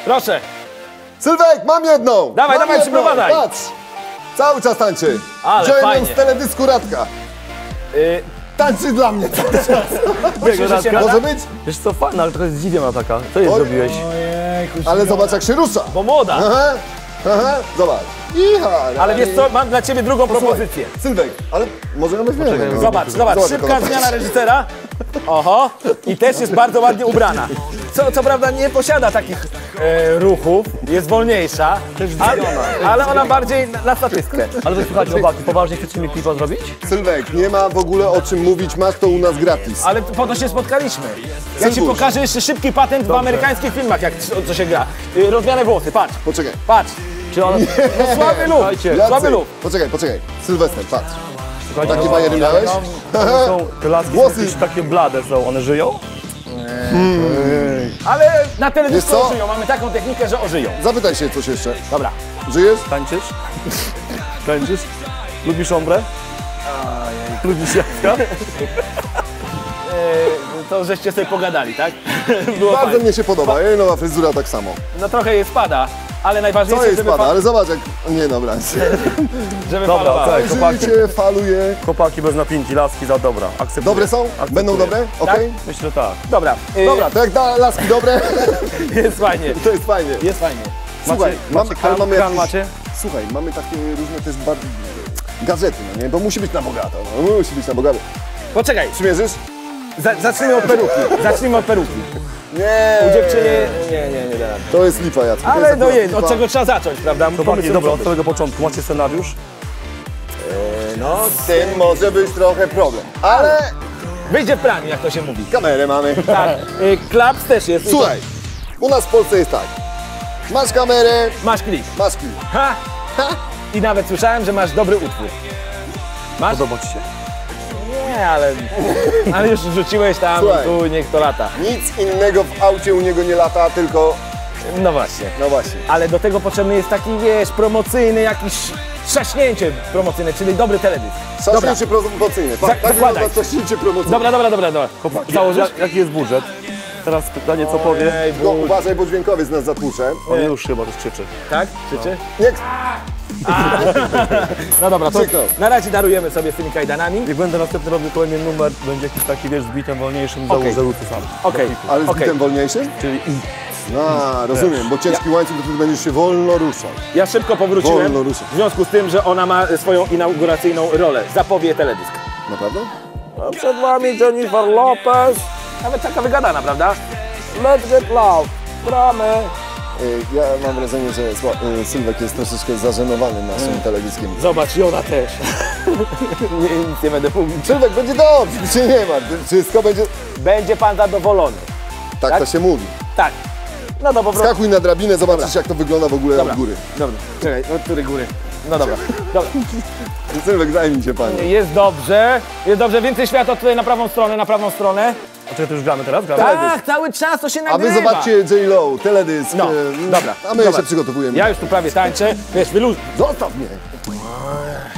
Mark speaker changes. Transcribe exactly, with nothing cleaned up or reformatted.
Speaker 1: Proszę.
Speaker 2: Sylwek, mam jedną!
Speaker 1: Dawaj,
Speaker 2: mam
Speaker 1: dawaj,
Speaker 2: jedną.
Speaker 1: przyprowadzaj.
Speaker 2: Patrz! Cały czas tańczy.
Speaker 1: Ale
Speaker 2: Wziąłem ją
Speaker 1: fajnie.
Speaker 2: z teledysku Radka.
Speaker 1: Y,
Speaker 2: Tańczy dla mnie cały czas.
Speaker 1: Myślisz, że się
Speaker 2: Może
Speaker 1: nada?
Speaker 2: być?
Speaker 3: Wiesz co, fajna, ale trochę zdziwiona taka. Co jej
Speaker 2: Oj.
Speaker 3: zrobiłeś?
Speaker 2: Ale zobacz jak się rusza.
Speaker 1: Bo młoda.
Speaker 2: Aha, aha, zobacz. Iha,
Speaker 1: Ale wiesz co, mam dla ciebie drugą propozycję.
Speaker 2: Sylwek, ale może ją weźmiemy.
Speaker 3: Poczekaj,
Speaker 2: no.
Speaker 1: Zobacz, zobacz,
Speaker 2: jak
Speaker 1: szybka
Speaker 2: ona
Speaker 1: zmiana reżysera. Oho, i też jest bardzo ładnie ubrana. Co, co prawda nie posiada takich e, ruchów, jest wolniejsza, ale, ale ona bardziej na, na statystkę.
Speaker 3: Ale wy słuchajcie, chłopaki, poważnie chcecie mi klipa zrobić?
Speaker 2: Sylwek, nie ma w ogóle o czym mówić, masz to u nas gratis.
Speaker 1: Ale po to się spotkaliśmy. Ja ci
Speaker 2: Sylwusz.
Speaker 1: pokażę jeszcze szybki patent w amerykańskich filmach, jak co, co się gra. Y, Rozmiane włosy, patrz,
Speaker 2: Poczekaj.
Speaker 1: patrz.
Speaker 3: Czy one...
Speaker 1: No słaby lub,
Speaker 3: Słuchajcie,
Speaker 1: słaby
Speaker 2: Jacek,
Speaker 1: lub.
Speaker 2: poczekaj, poczekaj. Sylwester, patrz.
Speaker 3: Słuchajcie,
Speaker 2: Takie
Speaker 3: no,
Speaker 2: bajery miałeś?
Speaker 3: one są, te laski
Speaker 2: Włosy.
Speaker 3: są jakieś takie blade są, one żyją?
Speaker 1: Ale na telewizji
Speaker 2: Wiesz co?
Speaker 1: ożyją, mamy taką technikę, że ożyją.
Speaker 2: Zapytaj się coś jeszcze.
Speaker 1: Dobra.
Speaker 2: Żyjesz?
Speaker 3: Tańczysz? Tańczysz? Lubisz ombre? Lubisz jabłka?
Speaker 1: E, to żeście sobie pogadali, tak? Było
Speaker 2: Bardzo
Speaker 1: fajnie.
Speaker 2: mnie się podoba, jej nowa fryzura tak samo.
Speaker 1: No trochę jej spada, ale
Speaker 2: Co
Speaker 1: najważniejsze,
Speaker 2: jej
Speaker 1: żeby,
Speaker 2: spada,
Speaker 1: fa-
Speaker 2: ale zobacz jak... Nie, dobra.
Speaker 1: żeby
Speaker 3: Dobra,
Speaker 1: falowała.
Speaker 3: tak.
Speaker 2: Jeżeli
Speaker 3: chłopaki.
Speaker 2: cię faluje...
Speaker 3: Chłopaki bez napinki, laski za dobra. Akceptuję.
Speaker 2: Dobre są?
Speaker 3: Akceptuję.
Speaker 2: Będą dobre? Okej?
Speaker 3: Myślę, że tak.
Speaker 1: Dobra, e,
Speaker 2: Dobra, to jak da laski dobre,
Speaker 1: jest fajnie,
Speaker 2: to jest fajnie.
Speaker 1: jest fajnie.
Speaker 2: Słuchaj,
Speaker 3: Macie,
Speaker 2: mam,
Speaker 3: macie
Speaker 2: ale
Speaker 3: kran,
Speaker 2: mamy
Speaker 3: kran
Speaker 2: jakieś,
Speaker 3: macie?
Speaker 2: Słuchaj, mamy takie różne też bardzo... Gazety, no nie? Bo musi być na bogato, no musi być na bogato.
Speaker 1: Poczekaj,
Speaker 2: Przymierzysz?
Speaker 1: za, zacznijmy od peruki, zacznijmy od peruki.
Speaker 2: Nie.
Speaker 1: U dziewczyny, nie, nie, nie da rady.
Speaker 2: To jest lipa, Jacek. to
Speaker 1: Ale
Speaker 2: jest
Speaker 1: no
Speaker 2: akurat
Speaker 1: je, od
Speaker 2: lipa.
Speaker 1: czego trzeba zacząć, prawda?
Speaker 3: Chłopaki,
Speaker 1: Pomysł
Speaker 3: dobra,
Speaker 1: co
Speaker 3: od samego początku. Macie scenariusz?
Speaker 2: No, z tym może być trochę problem. Ale
Speaker 1: Wyjdzie w praniu, jak to się mówi.
Speaker 2: kamerę mamy.
Speaker 1: Tak, y, klaps też jest.
Speaker 2: Słuchaj, u nas w Polsce jest tak. Masz kamerę,
Speaker 1: Masz klip.
Speaker 2: masz klip.
Speaker 1: Ha!
Speaker 2: Ha?
Speaker 1: I nawet słyszałem, że masz dobry utwór. Masz?
Speaker 3: Podoba ci się?
Speaker 1: Nie, ale, ale już wrzuciłeś tam,
Speaker 2: Słuchaj.
Speaker 1: tu niech to lata.
Speaker 2: Nic innego w aucie u niego nie lata, tylko...
Speaker 1: No właśnie.
Speaker 2: No właśnie.
Speaker 1: Ale do tego potrzebny jest taki, wiesz, promocyjny jakiś trzaśnięcie promocyjne, czyli dobry teledysk. Dobra,
Speaker 2: Trzaśnięcie promocyjne.
Speaker 1: Za-
Speaker 2: Tak, tak
Speaker 1: zakładaj.
Speaker 2: wygląda trzaśnięcie promocyjne.
Speaker 1: dobra, dobra, dobra, dobra.
Speaker 3: Chłopaki,
Speaker 1: Założysz?
Speaker 3: jak, jaki jest budżet? Teraz pytanie, co powie?
Speaker 1: Ej,
Speaker 2: No,
Speaker 1: bu-
Speaker 2: uważaj, bo dźwiękowiec nas zatłucze.
Speaker 3: On już chyba też krzyczy.
Speaker 1: Tak? Krzyczy?
Speaker 2: Nie,
Speaker 1: No dobra, to
Speaker 2: Krzyknął.
Speaker 1: na razie darujemy sobie z tymi kajdanami.
Speaker 3: Jak będę następny robił kolejny numer, będzie jakiś taki, wiesz, z bitem wolniejszym,
Speaker 1: Okej.
Speaker 3: założę ruty sam.
Speaker 1: Okej,
Speaker 2: ale z
Speaker 1: okej.
Speaker 2: bitem wolniejszym?
Speaker 3: Czyli
Speaker 2: No, rozumiem, bo ciężki łańcuch, to wtedy będziesz się wolno ruszał.
Speaker 1: Ja szybko powróciłem,
Speaker 2: Wolno ruszaj.
Speaker 1: w związku z tym, że ona ma swoją inauguracyjną rolę. Zapowie teledysk.
Speaker 2: Naprawdę?
Speaker 1: A przed wami Jennifer Lopez. Nawet taka wygadana, prawda? Let's get loud. Gramy.
Speaker 2: Y, Ja mam wrażenie, że Sła- y, Sylwek jest troszeczkę zażenowany naszym teledyskiem.
Speaker 1: Zobacz, i ona też. nie, nic nie będę mówił.
Speaker 2: Sylwek, będzie dobrze, czy nie ma, wszystko będzie...
Speaker 1: Będzie pan zadowolony.
Speaker 2: Tak,
Speaker 1: Tak?
Speaker 2: to się mówi.
Speaker 1: Tak. No to po prostu.
Speaker 2: Skakuj na drabinę, zobaczysz jak to wygląda w ogóle
Speaker 1: Dobra.
Speaker 2: od góry.
Speaker 1: Dobra, czekaj, od której góry? No dobra. dobra.
Speaker 2: Sylwek, zajmij się panie.
Speaker 1: Jest dobrze, jest dobrze. Więcej światła tutaj na prawą stronę, na prawą stronę.
Speaker 3: A czekaj, to już gramy teraz? Gramy?
Speaker 1: Tak, cały czas to się
Speaker 2: A
Speaker 1: nagrywa.
Speaker 2: wy zobaczcie J-Lo, teledysk.
Speaker 1: No,
Speaker 2: y,
Speaker 1: dobra.
Speaker 2: A my
Speaker 1: Zobacz.
Speaker 2: się przygotowujemy.
Speaker 1: Ja już tu prawie tańczę. Wiesz, wyluz...
Speaker 2: Zostaw mnie.